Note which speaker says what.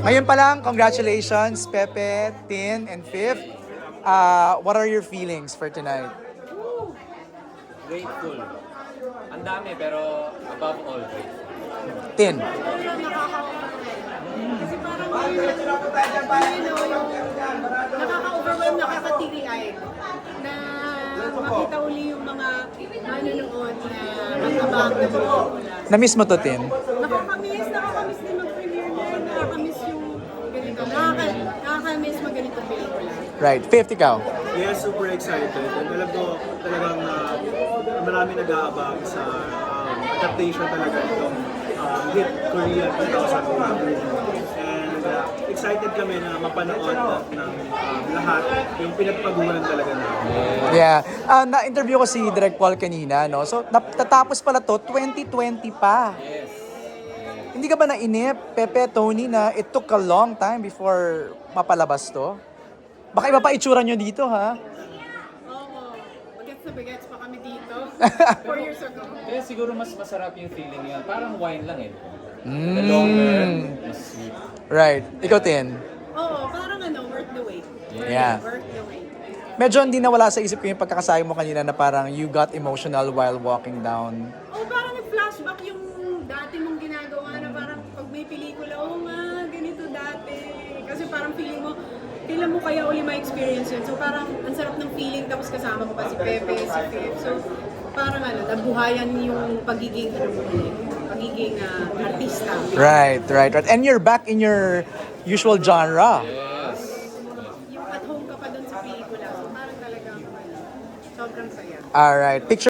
Speaker 1: Ngayon pa lang, congratulations, Pepe, Tin, and Fifth. What are your feelings for tonight?
Speaker 2: Grateful. Ang dami pero above all grateful.
Speaker 1: Tin.
Speaker 3: Kasi parang nakaka-overwhelm, nakaka-teary-eyed na makita uli yung mga manonood na mag-abang na pelikula.
Speaker 1: Na-miss mo to, Tin?
Speaker 3: Nakakamiss din mag-premiere na, nakakamiss yung ganito, nakakamiss mag-ganitong pelikula.
Speaker 1: Right. Fifth, ikaw.
Speaker 4: Yes, super excited. And alam ko talagang marami nag-aabang sa adaptation talaga nitong hit Korea 2001. And excited kami na mapanood ng lahat yung pinagpaguran talaga namin.
Speaker 1: Yeah. Na-interview ko si Direk Paul kanina, no? So, tatapos pala to, 2020 pa.
Speaker 2: Yes.
Speaker 1: Hindi ka ba nainip, Pepe, Tony, na it took a long time before mapalabas to? Baka iba pa itsura nyo dito, ha?
Speaker 3: Oo, bagets na bagets pa kami dito 4 years ago.
Speaker 2: Kaya siguro mas masarap yung feeling niya. Parang wine lang eh. The longer, mas sweet.
Speaker 1: Right. Ikaw, Tin.
Speaker 3: Oo, parang worth the wait.
Speaker 1: Yeah.
Speaker 3: Worth the wait.
Speaker 1: Medyo hindi nawala sa isip ko yung pagkakasabi mo kanina na parang you got emotional while walking down.
Speaker 3: Oh, parang nag-flashback yung dati mong ginagawa na parang pag may pelikula, oh nga, ganito dati. Kasi parang kailan mo kaya uli ma-experience yun. So parang ang sarap ng feeling, tapos kasama ko pa si Pepe, si Pep. So parang nabuhayan yung pagiging artista.
Speaker 1: Right. And you're back in your usual genre.
Speaker 2: Yes.
Speaker 3: Yung at home ka pa dun sa pelikula. So parang talagang sobrang saya.
Speaker 1: Alright. Picture